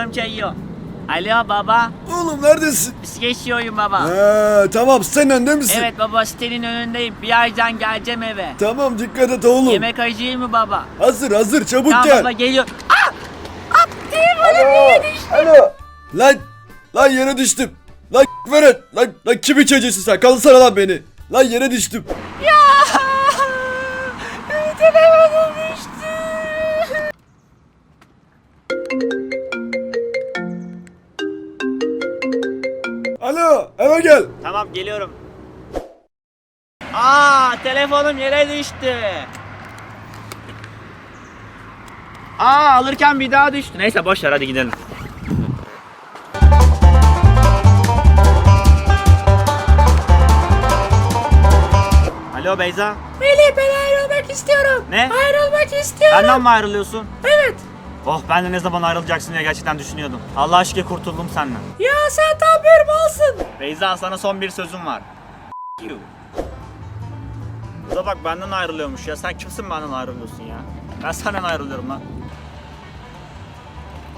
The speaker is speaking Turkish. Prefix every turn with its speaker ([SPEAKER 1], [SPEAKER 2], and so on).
[SPEAKER 1] telefonum çalıyor. Alo baba.
[SPEAKER 2] Oğlum neredesin?
[SPEAKER 1] Bisiklet sürüyorum baba.
[SPEAKER 2] Tamam, sen önde misin?
[SPEAKER 1] Evet baba, sitenin önündeyim. Birazdan geleceğim eve.
[SPEAKER 2] Tamam, dikkat et oğlum.
[SPEAKER 1] Yemek acıyı mı baba?
[SPEAKER 2] Hazır, çabuk
[SPEAKER 1] Tamam
[SPEAKER 2] gel.
[SPEAKER 1] baba, geliyor.
[SPEAKER 2] Alo. Lan yere düştüm. Lan verin. Lan kimin çocuğusun sen? Kalsana lan beni. Lan yere düştüm.
[SPEAKER 1] Telefonum düştü.
[SPEAKER 2] Alo, eve gel.
[SPEAKER 1] Tamam, geliyorum. Telefonum yere düştü. Alırken bir daha düştü. Neyse boş ver, hadi gidelim. Alo Beyza.
[SPEAKER 3] Melih, ben ayrılmak istiyorum.
[SPEAKER 1] Ne?
[SPEAKER 3] Ayrılmak istiyorum.
[SPEAKER 1] Benden mi ayrılıyorsun?
[SPEAKER 3] Evet.
[SPEAKER 1] Oh, ben de ne zaman ayrılacaksın diye gerçekten düşünüyordum. Allah şükür kurtuldum senden.
[SPEAKER 3] Ya sen tam bir malsın.
[SPEAKER 1] Beyza, sana son bir sözüm var. You. Bu da bak benden ayrılıyormuş ya. Sen kimsin benden ayrılıyorsun ya? Ben senden ayrılıyorum lan.